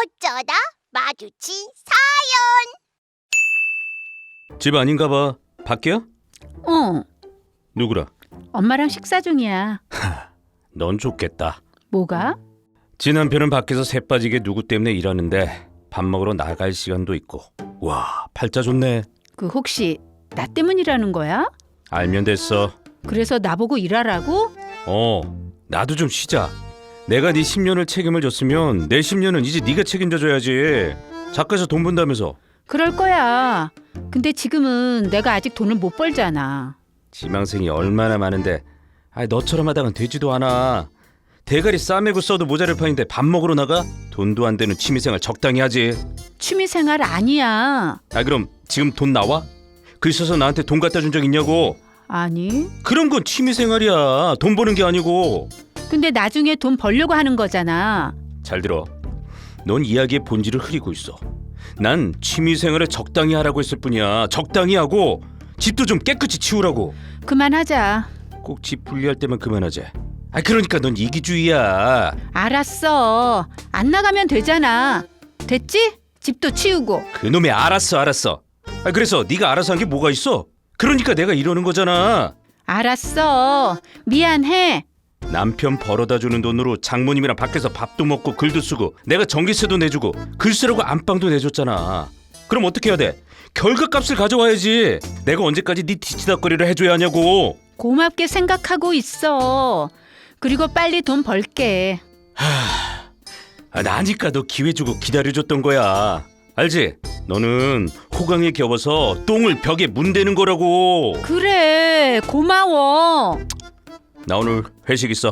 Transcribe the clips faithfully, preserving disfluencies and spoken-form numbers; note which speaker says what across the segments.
Speaker 1: 어쩌다 마주친
Speaker 2: 집 아닌가 봐. 밖이야?
Speaker 3: 어,
Speaker 2: 누구라?
Speaker 3: 엄마랑 식사 중이야.
Speaker 2: 넌 좋겠다.
Speaker 3: 뭐가?
Speaker 2: 지 남편은 밖에서 새 빠지게 누구 때문에 일하는데 밥 먹으러 나갈 시간도 있고. 와, 팔자 좋네.
Speaker 3: 그 혹시 나 때문이라는 거야?
Speaker 2: 알면 됐어.
Speaker 3: 그래서 나보고 일하라고?
Speaker 2: 어, 나도 좀 쉬자. 내가 네 십 년을 책임을 졌으면 내 십 년은 이제 네가 책임져줘야지. 작가에서 돈 번다면서.
Speaker 3: 그럴 거야. 근데 지금은 내가 아직 돈을 못 벌잖아.
Speaker 2: 지망생이 얼마나 많은데 아, 너처럼 하다간 되지도 않아. 대가리 싸매고 써도 모자랄 판인데 밥 먹으러 나가? 돈도 안 되는 취미생활 적당히 하지.
Speaker 3: 취미생활 아니야.
Speaker 2: 아, 그럼 지금 돈 나와? 글 써서 나한테 돈 갖다 준 적 있냐고?
Speaker 3: 아니.
Speaker 2: 그런 건 취미생활이야. 돈 버는 게 아니고.
Speaker 3: 근데 나중에 돈 벌려고 하는 거잖아.
Speaker 2: 잘 들어. 넌 이야기의 본질을 흐리고 있어. 난 취미생활을 적당히 하라고 했을 뿐이야. 적당히 하고 집도 좀 깨끗이 치우라고.
Speaker 3: 그만하자.
Speaker 2: 꼭 집 분리할 때만 그만하자. 아, 그러니까 넌 이기주의야.
Speaker 3: 알았어. 안 나가면 되잖아. 됐지? 집도 치우고.
Speaker 2: 그놈의 알았어 알았어. 아, 그래서 네가 알아서 한 게 뭐가 있어? 그러니까 내가 이러는 거잖아.
Speaker 3: 알았어. 미안해.
Speaker 2: 남편 벌어다 주는 돈으로 장모님이랑 밖에서 밥도 먹고 글도 쓰고 내가 전기세도 내주고 글 쓰라고 안방도 내줬잖아. 그럼 어떻게 해야 돼? 결과값을 가져와야지. 내가 언제까지 네 뒤치다거리를 해줘야 하냐고.
Speaker 3: 고맙게 생각하고 있어. 그리고 빨리 돈 벌게.
Speaker 2: 아, 나니까 너 기회 주고 기다려줬던 거야. 알지? 너는 호강에 겨워서 똥을 벽에 문대는 거라고.
Speaker 3: 그래, 고마워.
Speaker 2: 나 오늘 회식 있어.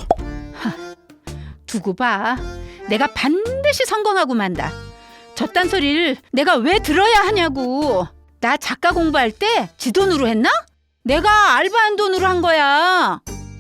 Speaker 3: 두고 봐. 내가 반드시 성공하고 만다. 저딴 소리를 내가 왜 들어야 하냐고. 나 작가 공부할 때 지 돈으로 했나? 내가 알바한 돈으로 한 거야.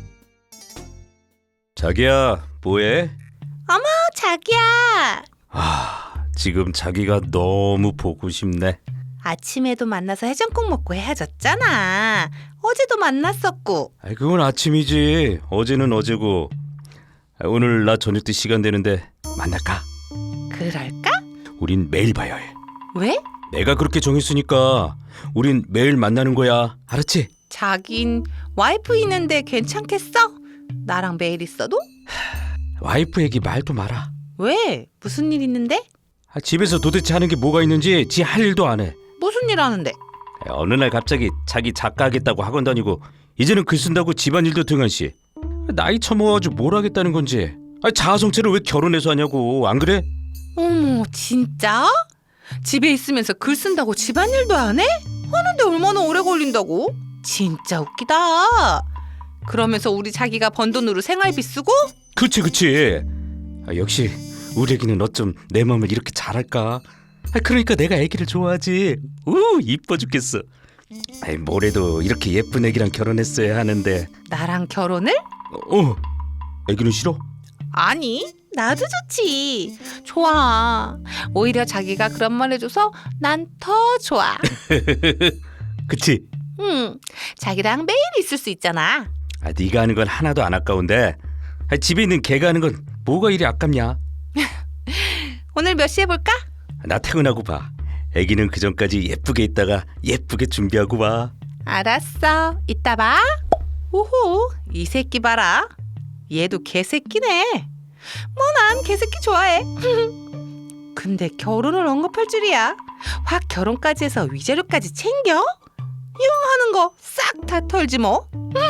Speaker 2: 자기야, 뭐해?
Speaker 1: 어머, 자기야.
Speaker 2: 아, 지금 자기가 너무 보고 싶네.
Speaker 1: 아침에도 만나서 해장국 먹고 헤어졌잖아. 어제도 만났었고.
Speaker 2: 아이, 그건 아침이지. 어제는 어제고. 아, 오늘 나 저녁 때 시간 되는데 만날까?
Speaker 1: 그럴까?
Speaker 2: 우린 매일 봐야 해.
Speaker 1: 왜?
Speaker 2: 내가 그렇게 정했으니까 우린 매일 만나는 거야. 알았지?
Speaker 1: 자긴 와이프 있는데 괜찮겠어? 나랑 매일 있어도?
Speaker 2: 와이프 얘기 말도 마라.
Speaker 1: 왜? 무슨 일 있는데?
Speaker 2: 아, 집에서 도대체 하는 게 뭐가 있는지 지 할 일도 안 해.
Speaker 1: 무슨 일 하는데?
Speaker 2: 아, 어느 날 갑자기 자기 작가 하겠다고 학원 다니고 이제는 글 쓴다고 집안일도 등한시. 나이 처먹어가지고 뭘 하겠다는 건지. 아, 자아성찰을 왜 결혼해서 하냐고. 안 그래?
Speaker 1: 어머, 진짜? 집에 있으면서 글 쓴다고 집안일도 안 해? 하는데 얼마나 오래 걸린다고? 진짜 웃기다. 그러면서 우리 자기가 번 돈으로 생활비 쓰고?
Speaker 2: 그치 그치. 아, 역시 우리 애기는 어쩜 내 마음을 이렇게 잘할까. 아, 그러니까 내가 애기를 좋아하지. 우 이뻐 죽겠어. 아이, 뭐래도 이렇게 예쁜 애기랑 결혼했어야 하는데.
Speaker 1: 나랑 결혼을?
Speaker 2: 어, 애기는 싫어?
Speaker 1: 아니, 나도 좋지. 좋아. 오히려 자기가 그런 말 해줘서 난 더 좋아.
Speaker 2: 그치?
Speaker 1: 응, 자기랑 매일 있을 수 있잖아.
Speaker 2: 아, 네가 하는 건 하나도 안 아까운데. 아, 집에 있는 걔가 하는 건 뭐가 이리 아깝냐.
Speaker 1: 오늘 몇 시에 볼까?
Speaker 2: 나 퇴근하고 봐. 애기는 그 전까지 예쁘게 있다가 예쁘게 준비하고 와.
Speaker 1: 알았어. 이따 봐. 오호, 이 새끼 봐라. 얘도 개새끼네. 뭐 난 개새끼 좋아해. 근데 결혼을 언급할 줄이야. 확 결혼까지 해서 위자료까지 챙겨? 이왕 하는 거 싹 다 털지 뭐.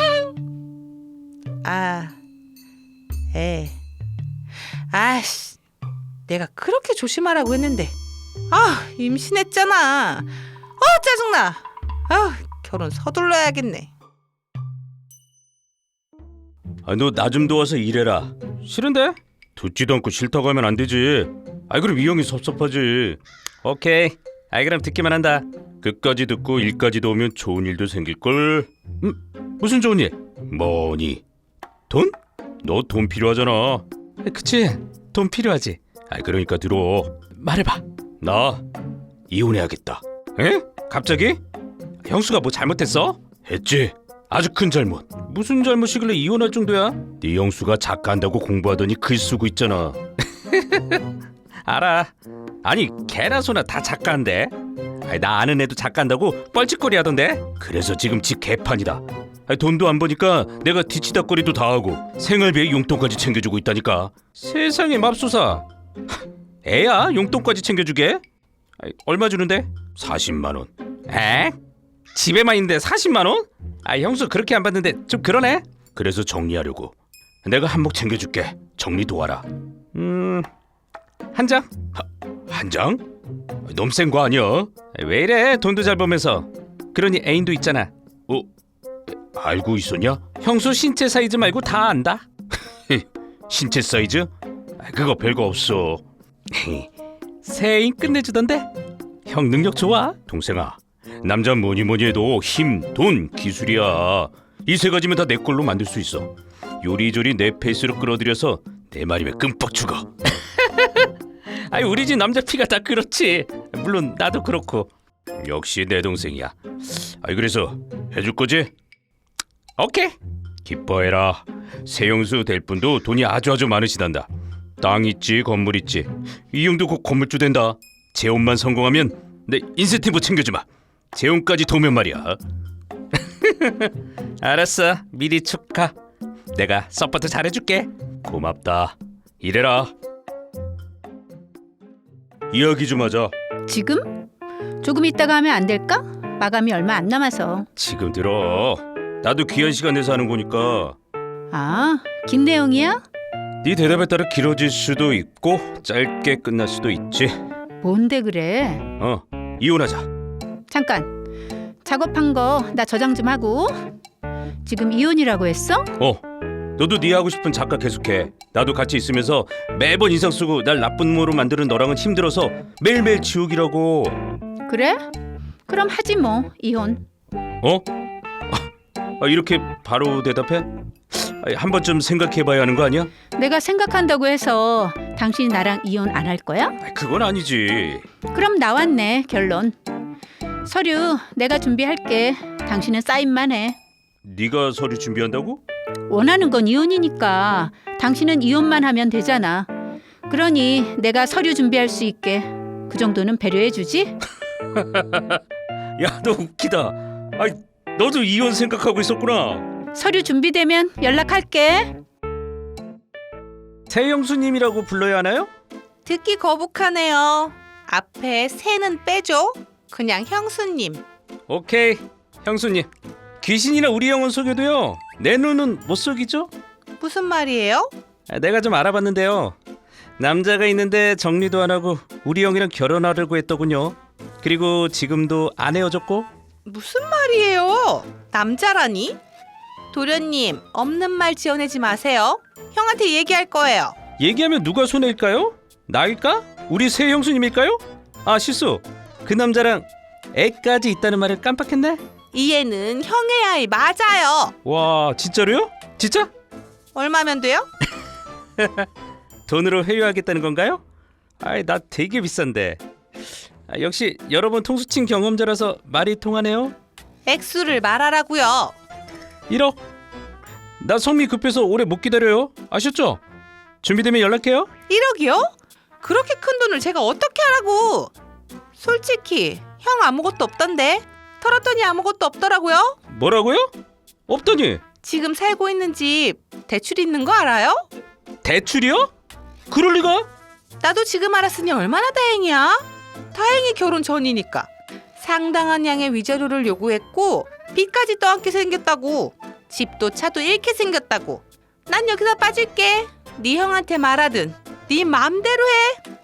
Speaker 1: 아, 에, 아씨, 내가 그렇게 조심하라고 했는데, 아, 임신했잖아. 아, 짜증나. 아, 결혼 서둘러야겠네.
Speaker 2: 아, 너 나 좀 도와서 일해라. 싫은데? 듣지도 않고 싫다고 하면 안 되지. 아이, 그럼 이 형이 섭섭하지. 오케이. 아이, 그럼 듣기만 한다. 끝까지 듣고 일까지 도우면 좋은 일도 생길걸. 음? 무슨 좋은 일? 뭐니? 돈? 너 돈 필요하잖아. 그치? 돈 필요하지. 아, 그러니까 들어. 말해봐. 나 이혼해야겠다. 에? 갑자기? 형수가 뭐 잘못했어? 했지. 아주 큰 잘못. 무슨 잘못이길래 이혼할 정도야? 네 형수가 작가 한다고 공부하더니 글 쓰고 있잖아. 알아. 아니 개나 소나 다 작가인데. 아니, 나 아는 애도 작가한다고 뻘짓거리 하던데. 그래서 지금 집 개판이다. 아니, 돈도 안 버니까 내가 뒤치다거리도 다 하고 생활비에 용돈까지 챙겨주고 있다니까. 세상에 맙소사. 애야 용돈까지 챙겨주게? 아니, 얼마 주는데? 사십만 원. 에? 집에만 있는데 사십만 원? 아 형수 그렇게 안 받는데 좀 그러네. 그래서 정리하려고. 내가 한몫 챙겨줄게. 정리 도와라. 음... 한 장? 하, 한 장? 너무 센 거 아니야? 왜 이래 돈도 잘 벌면서. 그러니 애인도 있잖아. 어? 알고 있었냐? 형수 신체 사이즈 말고 다 안다. 신체 사이즈? 그거 별거 없어. 새 애인 끝내주던데? 형 능력 좋아? 동생아, 남자 뭐니 뭐니 해도 힘, 돈, 기술이야. 이 세 가지면 다 내 걸로 만들 수 있어. 요리조리 내 페이스로 끌어들여서 내 말이면 끔뻑 죽어. 아니 우리 집 남자 피가 다 그렇지. 물론 나도 그렇고. 역시 내 동생이야. 아니 그래서 해줄 거지? 오케이. 기뻐해라. 세영수 될 분도 돈이 아주 아주 많으시단다. 땅 있지 건물 있지. 이 형도 곧 건물주 된다. 재혼만 성공하면 내 인센티브 챙겨주마. 재혼까지 도면 말이야. 알았어. 미리 축하. 내가 서포트 잘해줄게. 고맙다. 이래라. 이야기 좀 하자.
Speaker 3: 지금? 조금 있다가 하면 안 될까? 마감이 얼마 안 남아서.
Speaker 2: 지금 들어. 나도 귀한 시간 내서 하는 거니까.
Speaker 3: 아, 긴 내용이야?
Speaker 2: 네 대답에 따라 길어질 수도 있고 짧게 끝날 수도 있지.
Speaker 3: 뭔데 그래?
Speaker 2: 어, 이혼하자.
Speaker 3: 잠깐. 작업한 거 나 저장 좀 하고. 지금 이혼이라고 했어?
Speaker 2: 어, 너도 네 하고 싶은 작가 계속해. 나도 같이 있으면서 매번 인상 쓰고 날 나쁜 모로 만드는 너랑은 힘들어서 매일매일 지옥이라고.
Speaker 3: 그래? 그럼 하지 뭐 이혼.
Speaker 2: 어? 아, 이렇게 바로 대답해? 아, 한 번쯤 생각해봐야 하는 거 아니야?
Speaker 3: 내가 생각한다고 해서 당신이 나랑 이혼 안 할 거야?
Speaker 2: 아, 그건 아니지.
Speaker 3: 그럼 나왔네 결론. 서류 내가 준비할게. 당신은 사인만 해.
Speaker 2: 네가 서류 준비한다고?
Speaker 3: 원하는 건 이혼이니까 당신은 이혼만 하면 되잖아. 그러니 내가 서류 준비할 수 있게 그 정도는 배려해주지?
Speaker 2: 야, 너 웃기다. 아이, 너도 이혼 생각하고 있었구나.
Speaker 3: 서류 준비되면 연락할게.
Speaker 2: 세영수님이라고 불러야 하나요?
Speaker 1: 듣기 거북하네요. 앞에 새는 빼줘. 그냥 형수님.
Speaker 2: 오케이, 형수님. 귀신이나 우리 형은 속여도요 내 눈은 못 속이죠?
Speaker 1: 무슨 말이에요?
Speaker 2: 아, 내가 좀 알아봤는데요. 남자가 있는데 정리도 안 하고 우리 형이랑 결혼하려고 했더군요. 그리고 지금도 안 헤어졌고.
Speaker 1: 무슨 말이에요? 남자라니? 도련님, 없는 말 지어내지 마세요. 형한테 얘기할 거예요.
Speaker 2: 얘기하면 누가 손해일까요? 나일까? 우리 새 형수님일까요? 아 실수. 그 남자랑 애까지 있다는 말을 깜빡했네.
Speaker 1: 이 애는 형의 아이 맞아요.
Speaker 2: 와 진짜로요? 진짜?
Speaker 1: 얼마면 돼요?
Speaker 2: 돈으로 회유하겠다는 건가요? 아이 나 되게 비싼데. 아, 역시 여러 번 통수친 경험자라서 말이 통하네요.
Speaker 1: 액수를 말하라고요.
Speaker 2: 일억. 나 성미 급해서 오래 못 기다려요. 아셨죠? 준비되면 연락해요.
Speaker 1: 일억이요? 그렇게 큰 돈을 제가 어떻게 하라고? 솔직히 형 아무것도 없던데. 털었더니 아무것도 없더라고요.
Speaker 2: 뭐라고요? 없더니.
Speaker 1: 지금 살고 있는 집 대출 있는 거 알아요?
Speaker 2: 대출이요? 그럴 리가?
Speaker 1: 나도 지금 알았으니 얼마나 다행이야. 다행히 결혼 전이니까. 상당한 양의 위자료를 요구했고 빚까지 떠안게 생겼다고. 집도 차도 잃게 생겼다고. 난 여기서 빠질게. 네 형한테 말하든 네 맘대로 해.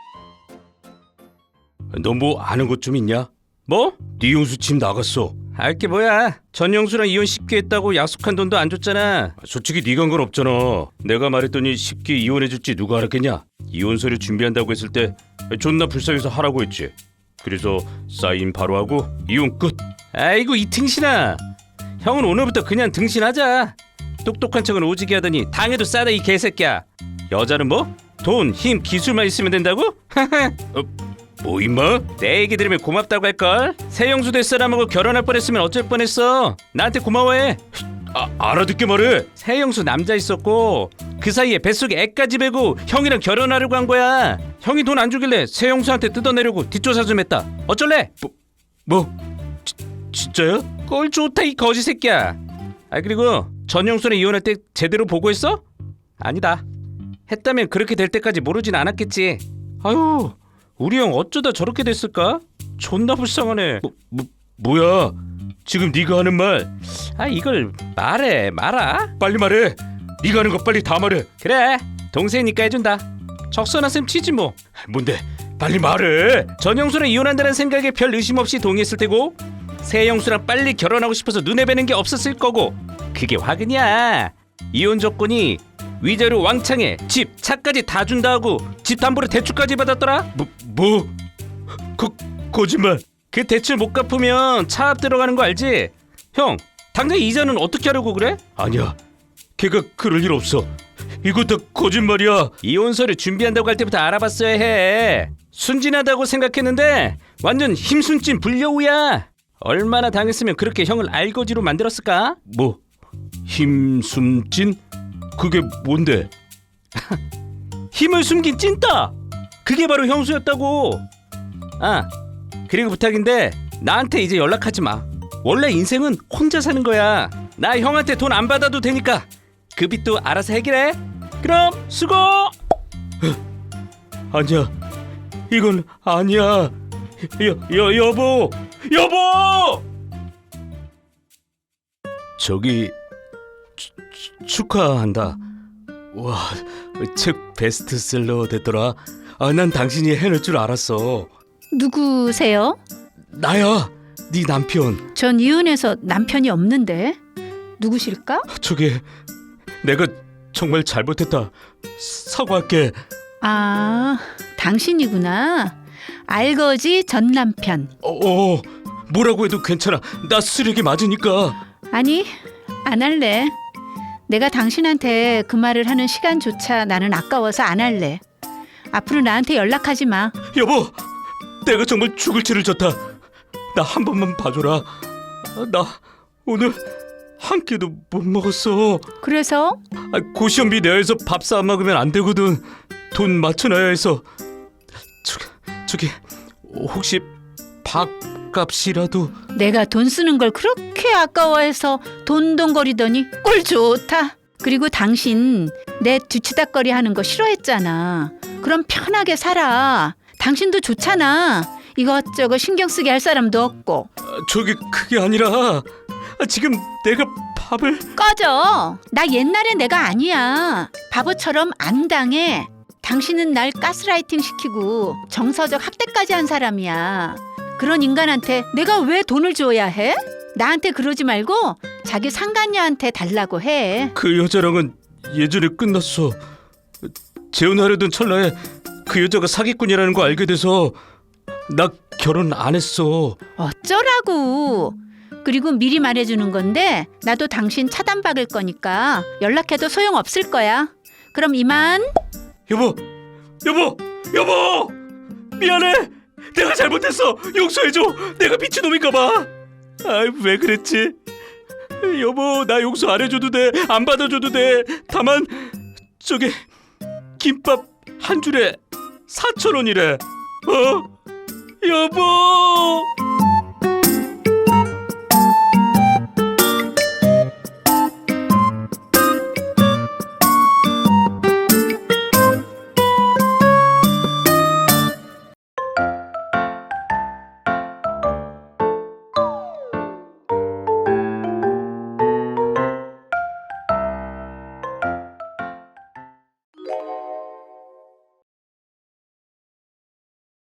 Speaker 2: 너 뭐 아는 것 좀 있냐? 뭐? 네 형수 집 나갔어. 알게 뭐야. 전 형수랑 이혼 쉽게 했다고 약속한 돈도 안 줬잖아. 솔직히 네가 한 건 없잖아. 내가 말했더니 쉽게 이혼해줄지 누가 알았겠냐. 이혼 서류 준비한다고 했을 때 존나 불쌍해서 하라고 했지. 그래서 사인 바로 하고 이혼 끝. 아이고 이 등신아. 형은 오늘부터 그냥 등신하자. 똑똑한 척은 오지게 하더니 당해도 싸다 이 개새끼야. 여자는 뭐? 돈, 힘, 기술만 있으면 된다고? 어, 뭐 임마? 내 얘기 들으면 고맙다고 할걸? 새형수 될 사람하고 결혼할 뻔했으면 어쩔 뻔했어. 나한테 고마워해. 아, 알아듣게 말해. 새형수 남자 있었고 그 사이에 뱃속에 애까지 베고 형이랑 결혼하려고 한 거야. 형이 돈 안 주길래 새 형수한테 뜯어내려고 뒷조사 좀 했다. 어쩔래? 뭐? 뭐? 지, 진짜야? 꼴 좋다 이 거지 새끼야. 아 그리고 전 형수는 이혼할 때 제대로 보고했어? 아니다. 했다면 그렇게 될 때까지 모르진 않았겠지. 아유 우리 형 어쩌다 저렇게 됐을까? 존나 불쌍하네. 뭐, 뭐 뭐야? 지금 네가 하는 말. 아 이걸 말해 말아. 빨리 말해. 네가 하는 거 빨리 다 말해. 그래 동생이니까 해준다. 적선한 셈 치지 뭐. 뭔데? 빨리 말해. 전 형수랑 이혼한다는 생각에 별 의심 없이 동의했을 테고 새 형수랑 빨리 결혼하고 싶어서 눈에 뵈는 게 없었을 거고 그게 화근이야. 이혼 조건이 위자료 왕창에 집 차까지 다 준다 하고 집 담보로 대출까지 받았더라. 뭐? 뭐? 거, 거짓말. 그 대출 못 갚으면 차압 들어가는 거 알지? 형 당장 이자는 어떻게 하려고 그래? 아니야 걔가 그럴 일 없어. 이거 다 거짓말이야. 이혼서를 준비한다고 할 때부터 알아봤어야 해. 순진하다고 생각했는데 완전 힘순진 불려우야. 얼마나 당했으면 그렇게 형을 알거지로 만들었을까? 뭐? 힘순진? 그게 뭔데? 힘을 숨긴 찐따! 그게 바로 형수였다고. 아 그리고 부탁인데 나한테 이제 연락하지 마. 원래 인생은 혼자 사는 거야. 나 형한테 돈 안 받아도 되니까 그 빚도 알아서 해결해. 그럼 수고. 아니야 이건 아니야. 여, 여, 여보 여보 저기 추, 추, 축하한다. 와 책 베스트셀러 됐더라. 아, 난 당신이 해낼 줄 알았어.
Speaker 3: 누구세요?
Speaker 2: 나야 네 남편.
Speaker 3: 전 이혼해서 남편이 없는데. 누구실까?
Speaker 2: 저기 내가 정말 잘못했다. 사과할게.
Speaker 3: 아, 당신이구나. 알거지 전 남편.
Speaker 2: 어, 어 뭐라고 해도 괜찮아. 나 쓰레기 맞으니까.
Speaker 3: 아니, 안 할래. 내가 당신한테 그 말을 하는 시간조차 나는 아까워서 안 할래. 앞으로 나한테 연락하지 마.
Speaker 2: 여보 내가 정말 죽을 죄를 졌다. 나 한 번만 봐줘라. 나 오늘 한 끼도 못 먹었어.
Speaker 3: 그래서?
Speaker 2: 아, 고시원비 내에서 밥 사 먹으면 안 되거든. 돈 맞춰놔야 해서. 저기, 저기 혹시 밥값이라도.
Speaker 3: 내가 돈 쓰는 걸 그렇게 아까워해서 돈돈거리더니 꼴 좋다. 그리고 당신 내 뒤치다거리 하는 거 싫어했잖아. 그럼 편하게 살아. 당신도 좋잖아. 이것저것 신경 쓰게 할 사람도 없고.
Speaker 2: 아, 저기 그게 아니라 아, 지금 내가 밥을.
Speaker 3: 꺼져. 나 옛날에 내가 아니야. 바보처럼 안 당해. 당신은 날 가스라이팅 시키고 정서적 학대까지 한 사람이야. 그런 인간한테 내가 왜 돈을 줘야 해? 나한테 그러지 말고 자기 상간녀한테 달라고 해.
Speaker 2: 그 여자랑은 예전에 끝났어. 재혼하려던 찰나에 그 여자가 사기꾼이라는 거 알게 돼서 나 결혼 안 했어.
Speaker 3: 어쩌라고. 그리고 미리 말해주는 건데 나도 당신 차단박을 거니까 연락해도 소용없을 거야. 그럼 이만.
Speaker 2: 여보, 여보, 여보, 미안해. 내가 잘못했어. 용서해줘. 내가 미친놈인가 봐. 아, 왜 그랬지? 여보, 나 용서 안 해줘도 돼. 안 받아줘도 돼. 다만 저기 김밥 한 줄에 사천 원이래. 어? 여보.